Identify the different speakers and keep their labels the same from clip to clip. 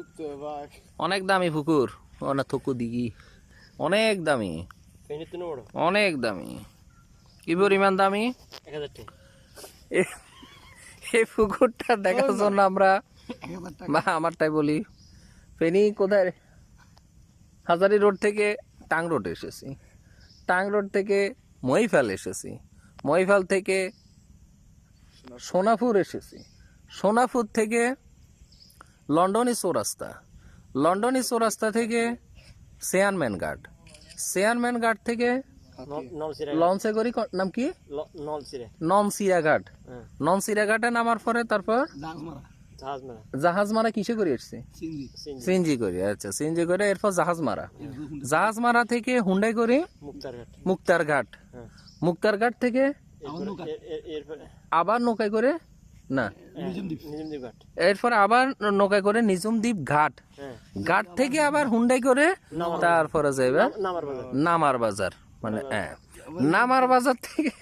Speaker 1: অনেক দামি পুকুর, অনেক থকু দিঘি, অনেক দামি, অনেক দামি। কি পরিমাণ দামি?
Speaker 2: 1000 টাকা।
Speaker 1: এই পুকুরটা দেখার জন্য আমরা, বা আমারটাই বলি, ফেনী কোথায়, হাজারি রোড থেকে টাং রোড এসেছি, টাং রোড থেকে মহিফাল এসেছি, মহিফাল থেকে সোনাপুর এসেছি, সোনাপুর থেকে লন্ডনী চৌরাস্তা, লন্ডনী চৌরাস্তা থেকে চেয়ারম্যান ঘাট, চেয়ারম্যান ঘাট থেকে লঞ্চে করি, নাম কি, ননসিরা ঘাট, ননসিরা ঘাটে নামার পরে তারপর জাহাজ মারা কিসে করে এসছে, সিএনজি করে। আচ্ছা, সিএনজি করে এরপর জাহাজ মারা, জাহাজ মারা থেকে হুন্ডাই করে মুক্তার ঘাট, মুক্তার ঘাট থেকে আবার নৌকায় করে, না এরপর আবার নৌকায় করে নিজুমদ্বীপ ঘাট, ঘাট থেকে আবার হুন্ডাই করে তারপরে যাইবে নামার বাজার, মানে নামার বাজার থেকে,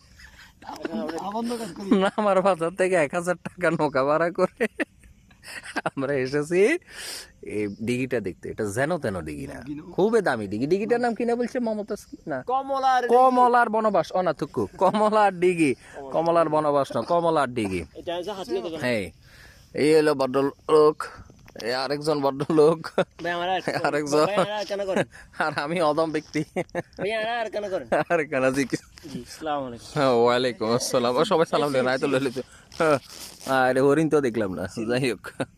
Speaker 1: নামার বাজার থেকে 1000 টাকা নৌকা ভাড়া করে আমরা এসেছি এই দিঘিটা দেখতে। এটা যেন তেন দিঘি না, খুবই দামি দিঘি। দিঘিটার নাম কিনা বলছে মমতাজ, না কমলার বনবাস, অনাথুকু কমলার দিঘি, কমলার বনবাস না, কমলার দিঘি। হ্যাঁ, এই হলো ভদ্রলোক, আরেকজন ভদ্রলোক, আরেকজন, আর আমি অদম ব্যক্তি। ওয়ালাইকুম আসসালাম, সবাই সালাম দেন। হরিণ তো দেখলাম না, যাই হোক।